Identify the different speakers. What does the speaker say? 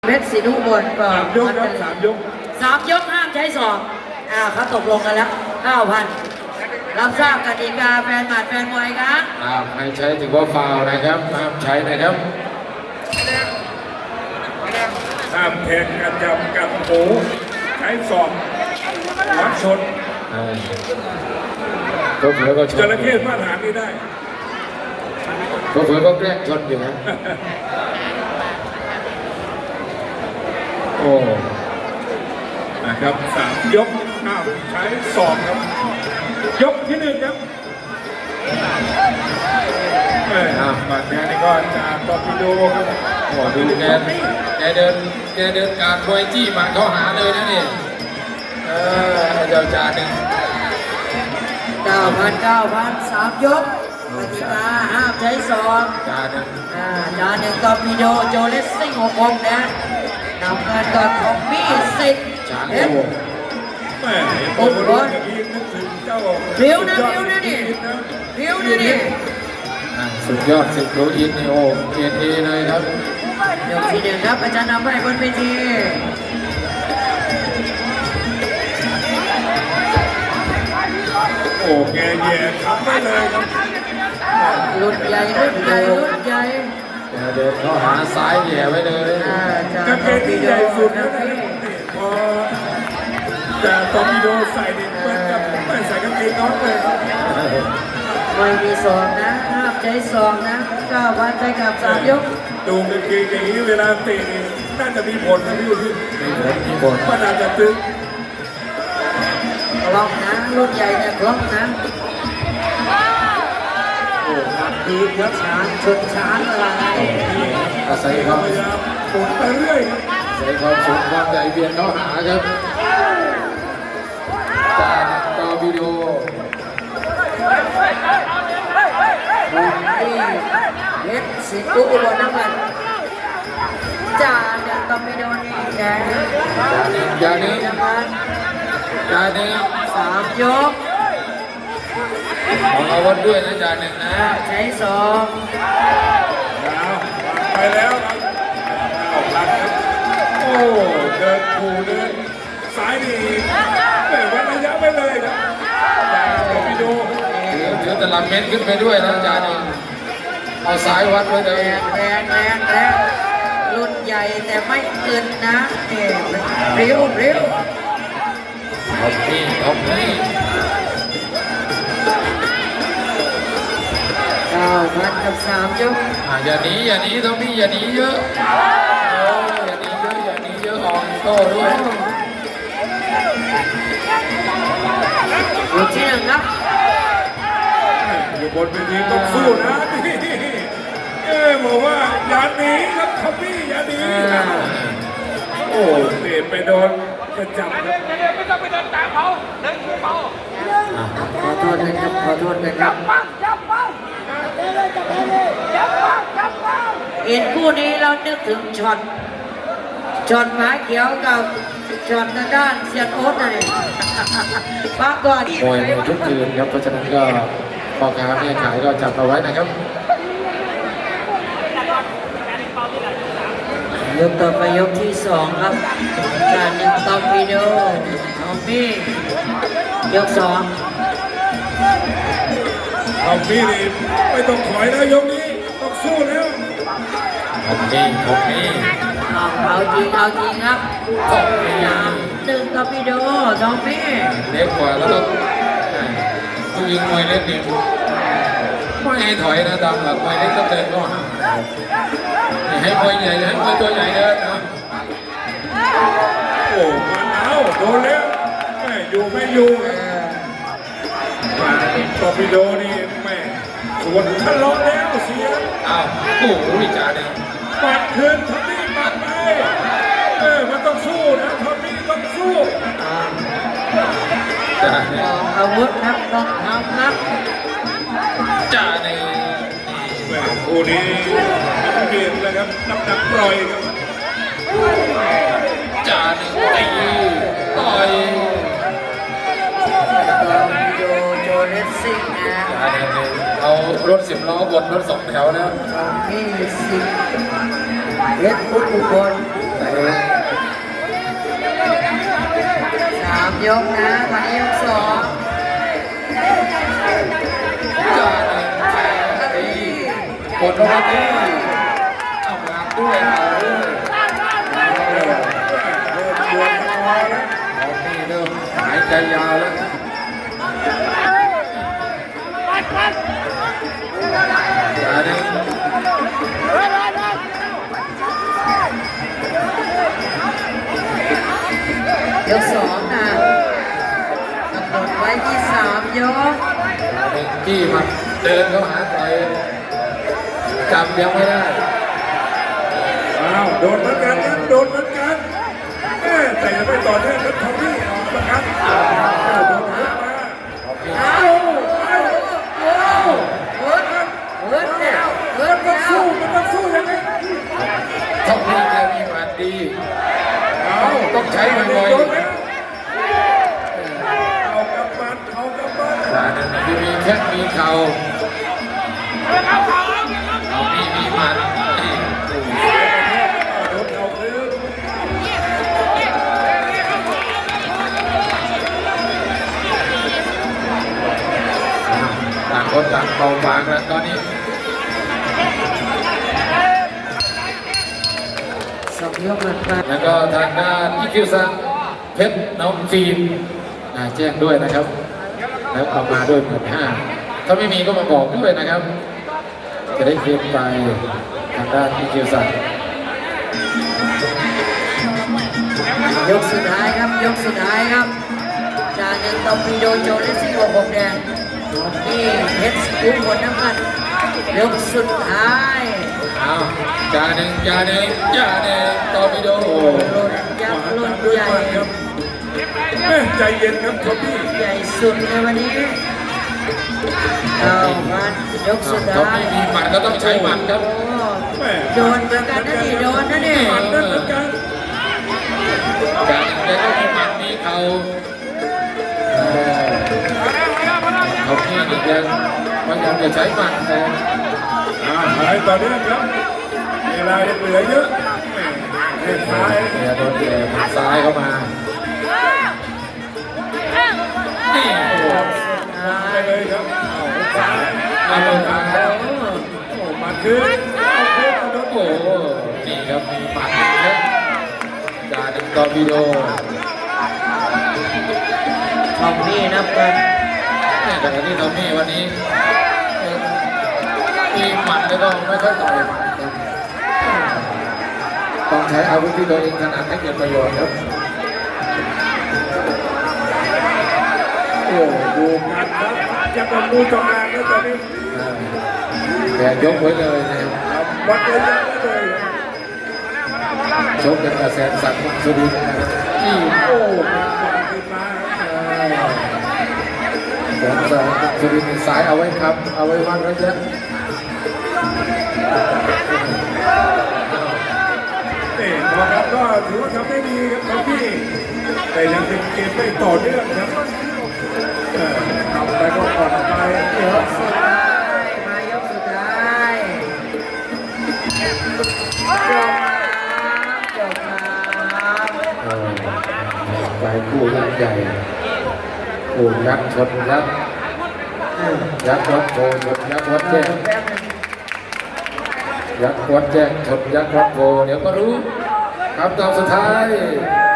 Speaker 1: เพชรศรีนุบลก็
Speaker 2: 3 ยกครับ3 ยก
Speaker 1: ห้ามใช้ศอกเขาตกลงกันแล้ว 9,000 รับทราบกติกาแฟนหมัดแฟนมวยครับ
Speaker 3: ไม่ใช้ถือว่าฟาวล์นะครับห้ามใช้นะครับ
Speaker 2: ห้ามแทงกระจับกับโผใช้ศอกวัดชน
Speaker 3: ก็เผื่อก็ชน
Speaker 2: จระเข้มาตรฐานนี้ได้
Speaker 3: ก็เผื่อก็แกล้งชนอยู่นะโอ้
Speaker 2: นะครับ3 ยกห้ามใช้ศอกครับยกที่ 1ครับบาดแผลนี่ก็จากตอร์ปิโดครับ
Speaker 3: โหดูแกเดินการมวยจี้หมัดเข้าหาเลยนะนี่เจ้าจ่าหนึ่ง
Speaker 1: 9,000 3 ยกกติกาห้ามใช้ศอก
Speaker 3: จ่าหนึ่ง
Speaker 1: จานหนึ่งตอร์ปิโดโจเลสซิ่ง6 องนะนำเงินก่อนของพี่สิทธิ์
Speaker 3: จ่า
Speaker 1: เพ
Speaker 3: โอ้
Speaker 1: ชร
Speaker 2: แม่โอ้โหอย่างนี้นึกถึงเจ้า
Speaker 1: เร็วนะนี่เร็วนะนี่
Speaker 3: สุดยอดสิบโลอินนี่โอ้เกียรติเลยครับ
Speaker 1: ยกที่ 1ครับอาจารย์นำไปบนเวที
Speaker 2: โอ้แกแย่ทำได้เลยครับ
Speaker 1: รุ่นใหญ่แก
Speaker 3: เดินเข้าหาซ้ายแย่ไว้เลย
Speaker 2: กางเกงที่ใหญ่สุดนะพอแต่ตอร์ปิโดใส่เนี่ยเหมือนกับไม่ใส่กางเกงน้องเลย
Speaker 1: ไม่มีศอกนะห้ามใช้ศอกนะ 9,000 ไปกับ 3 ยก
Speaker 2: ดูกางเกงอย่างนี้เวลาเตะนี่น่าจะมีผลนะพี่อุทิศ
Speaker 3: มีผล
Speaker 2: มันอาจจะตึง
Speaker 1: คล่องนะรุ่นใหญ่เนี่ยคล่องนะ
Speaker 2: โอ้ตัดคืนครับ
Speaker 1: ช้างชนช้างอะไร
Speaker 3: อาศัยความ
Speaker 2: พยายามปวดไปเรื่อยครับ
Speaker 3: อาศัยความสูงความใหญ่เบียดเข้าหาครับจากต่อวิดีโอ
Speaker 1: ที่เพชรศรีนุบลน้ำมันจานหนึ่งตอร์ปิโดนี่แดง
Speaker 3: อย่านี้
Speaker 1: น้ำมัน
Speaker 3: อย่านี้
Speaker 1: 3 ยก
Speaker 3: ของอาวุธด้วยนะจ่าหนึ่งนะ
Speaker 1: ใช้ศอก
Speaker 2: เอาไปแล้วครับเอาหลังครับโอ้เดินขู่เดินซ้ายนี่ไม่วัดระยะไปเลยครับจากตอร์ปิโด
Speaker 3: ถือตลับเม็ดขึ้นไปด้วยนะจ่าหนึ่งเอาสายวัดไว้เลย
Speaker 1: แรงรุ่นใหญ่แต่ไม่เกินนะเร็ว
Speaker 3: เอาพี่เอาพี่
Speaker 1: 9,000 กับ 3 ยก
Speaker 3: อย่าหนีต้องพี่อย่าหนีเยอะอย่าหนีเยอะออกโต้ด้วย
Speaker 1: ยกที่ 1 ครับ
Speaker 2: อยู่บนเวทีต้องสู้นะนี่บอกว่าอย่าหนีครับทอมมี่อย่าหนีโอ้เตะไปโดนกระจับครับ
Speaker 1: ขอโทษนะครับเห็นคู่นี้เรานึกถึงช็อตหมาเขียวกับช็อตทางด้านเซียนโอ๊ตนะเนี่ยพักก่อน
Speaker 3: มวยในทุกคืนครับเพราะฉะนั้นก็พ่อค้าแม่ขายก็จับเอาไว้นะครับ
Speaker 1: ยกต่อไปยกที่ 2 ครับการหนึ่งตอร์ปิโดทอมมี่ยก 2
Speaker 2: ทอมมี่นี่ไม่ต้องถอยแล้วยกนี้ต้องสู้แล้ว
Speaker 3: ผมนี่
Speaker 1: เอาจริงครับ1 ตอร์ปิโดทอมมี่
Speaker 3: เล็กกว่าแล้วต้องผู้ยิงมวยเล็กนี่ไม่ให้ถอยนะตามหลักมวยเล็กต้องเดินเข้าหาให้มวยใหญ่ให้มวยตัวใหญ่เดินนะ
Speaker 2: โอ้มันเอาโดนแล้วแม่อยู่ไม่อยู่ครับตอร์ปิโดนี่แม่สวนทะเลาะแล้วเสีย
Speaker 3: อ้าวโอ้โหจ่าหนึ่ง
Speaker 2: ปัดคืนทอมมี่ปัดไปมันต้องสู้นะทอมมี่ต้องสู้
Speaker 3: จ่าหนึ่ง
Speaker 1: อาวุธครับต้องทำครับ
Speaker 3: จ่าหนึ่ง
Speaker 2: แม่คู่นี้เปลี่ยนเลยครับนับปล่อยครับ
Speaker 3: จ่าหนึ่งตีต่อย
Speaker 1: ตอร์ปิโดโจเลสซิ่งนะ
Speaker 3: จ่าหนึ่งเอารถ10 ล้อบดรถ2 แถวแล้ว
Speaker 1: ทอมมี่สิเพชรอุบล
Speaker 3: แต่ก็วันนี้เอางานด้วยเอาด้วย
Speaker 2: เริ่มดวลกันน้อยแล้ว
Speaker 3: ออกนี่เริ่มหายใจยาวแล้วอย่าดึง
Speaker 1: ยกสองนะกำหนดไว้ที่3 ยก
Speaker 3: จี้มันเดินเข้าหาต่อยจับยังไม่ได้
Speaker 2: อ้าวโดนเหมือนกันครับโดนเหมือนกันแต่ยังไม่ต่อเนื่องครับทอมมี่ออกประกันโดนหัวมา
Speaker 1: เอาเวิร์ดเวิร์ดแล้วเวิร์ด
Speaker 2: มัน
Speaker 1: แล้ว
Speaker 2: สู้มันต้องสู้ยังไง
Speaker 3: ต้องมีแกมีมันดี ต้องใช้มันบ่อย
Speaker 2: โดนแล้วเอากำปั้นเอากำปั้น
Speaker 3: แต่นั่นที่มีแค่มีเข่าเอามีมัน
Speaker 2: โดนเอาคืน
Speaker 3: ต่างคนต่างเบาบางแล้วตอนนี้
Speaker 1: 2 ยกหลังไป
Speaker 3: แล้วก็ทางด้านอีคิวซังเพชรน้องฟิล์มแจ้งด้วยนะครับ แล้วเอามาด้วย15,000ถ้าไม่มีก็มาบอกด้วยนะครับ จะได้เคลียร์ไปทางด้านอีคิวซัง
Speaker 1: ยกสุดท้ายครับยกสุดท้ายครับจาหนึ่งตอมปีโดโจเลสซี่6 แดงนี่เพชรอุ้มหมดน้ำมันยกสุดท้าย
Speaker 3: เอาจาหนึ่งตอร์ปิโด
Speaker 1: หล่นยักษ์หล่น
Speaker 2: ด้วย
Speaker 1: ใหญ่
Speaker 2: มันครับใจเย็นครับทอมมี่
Speaker 1: ใหญ่สุดในวันนี้เอามันยกสุด
Speaker 3: เขา
Speaker 1: ท้าย
Speaker 3: ไม่มีหมัดก็ต้องใช้หมัดครับ
Speaker 1: โอ้
Speaker 2: แม่
Speaker 1: โดนเหมือนกันนะนี่โดนนะนี่
Speaker 2: มันนั่นเหมือนกัน
Speaker 3: จาหนึ่งแกก็มีหมัดมีเข่าเขาพี่นี่แกพยายามจะใช้หมัดแต่
Speaker 2: หายต่อเนื่องครับเวลายังเหลือเยอะแข้งซ้าย
Speaker 3: แกโดนแกหมัดซ้ายเข้ามานี่โอ้โห
Speaker 2: ไปเลยครับเอาซ้าย
Speaker 3: เอาลงมาแล้ว
Speaker 2: โอ้มาคืนเอาคืนโดน
Speaker 3: โอ้โหนี่ครับมีหมัดครับจาหนึ่งตอร์ปิโด
Speaker 1: ทอมมี่นับกัน
Speaker 3: แต่ที่ทอมมี่วันนี้มีหมัดแล้วก็ไม่ค่อยต่อยหมัดครับต้องใช้อาวุธที่ตัวเองถนัดให้เกิดประโยชน์ครับ
Speaker 2: โอ้ดูกันครับจะเป็นมูจงอางแล้วตอนนี้
Speaker 3: แกยกไว้เลยนะครับ
Speaker 2: วัดเลยยังไม่เลย
Speaker 3: ชกกันกระแสนสัตว์สุรินทร์นะครับนี่
Speaker 2: โอ้มาขึ้นมา
Speaker 3: แสนสัตว์สุรินทร์สายเอาไว้ครับ เอาไว้วัดระยะ
Speaker 2: นี่นะครับก็ถือว่าทำได้ดีครับทอมมี่แต่ยังเป็นเกมไม่ต่อเนื่องครับทำไปก็ผ่อนไป
Speaker 1: ยกสุดท้ายมายกสุดท้ายจบครับ
Speaker 3: ไปคู่ยักษ์ใหญ่คู่ยักษ์ชนยักษ์ยักษ์วัดโพชนยักษ์วัดแจ้ง
Speaker 1: แป๊บนึง
Speaker 3: ยักษ์วัดแจ้งชนยักษ์วัดโพเดี๋ยวก็รู้คำตอบสุดท้าย